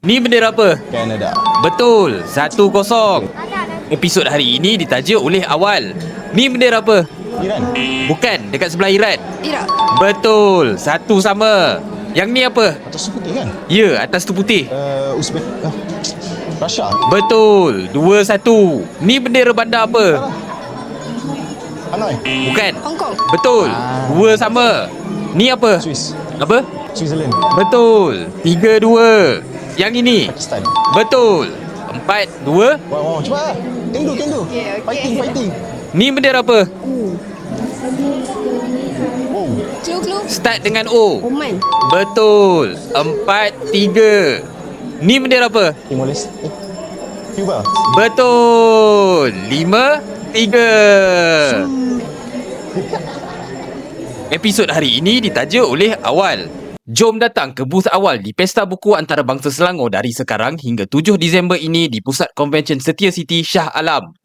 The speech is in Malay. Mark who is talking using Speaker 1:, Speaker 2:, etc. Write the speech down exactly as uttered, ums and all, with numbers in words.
Speaker 1: Ni bendera apa?
Speaker 2: Kanada.
Speaker 1: Betul, satu kosong. Episod hari ini ditaja oleh Awal. Ni bendera apa?
Speaker 2: Iran.
Speaker 1: Bukan, dekat sebelah Iran.
Speaker 3: Iraq.
Speaker 1: Betul, satu sama. Yang ni apa?
Speaker 2: Atas tu putih kan?
Speaker 1: Ya, atas tu putih.
Speaker 2: Uh, Uzbek. Uh, Russia.
Speaker 1: Betul, dua satu. Ni bendera bandar apa?
Speaker 2: Hanoi.
Speaker 1: Bukan.
Speaker 3: Hong Kong.
Speaker 1: Betul, dua sama. Ni apa?
Speaker 2: Swiss.
Speaker 1: Apa?
Speaker 2: Switzerland.
Speaker 1: Betul, tiga dua. Yang ini?
Speaker 2: Pakistan.
Speaker 1: Betul, empat dua.
Speaker 2: Wow, wow. Cuba lah. Kendo, kendo.
Speaker 3: Okay, okay.
Speaker 2: Fighting, fighting.
Speaker 1: Ni bendera apa?
Speaker 2: Oh.
Speaker 3: Clue, clue.
Speaker 1: Start dengan O.
Speaker 3: Oman.
Speaker 1: Betul, empat tiga. Ni bendera apa?
Speaker 2: Timor Leste. Eh. Cuba.
Speaker 1: Betul, lima tiga. Episod hari ini ditaja oleh Awal. Jom datang ke booth Awal di Pesta Buku Antarabangsa Selangor dari sekarang hingga tujuh Disember ini di Pusat Konvensyen Setia City, Shah Alam.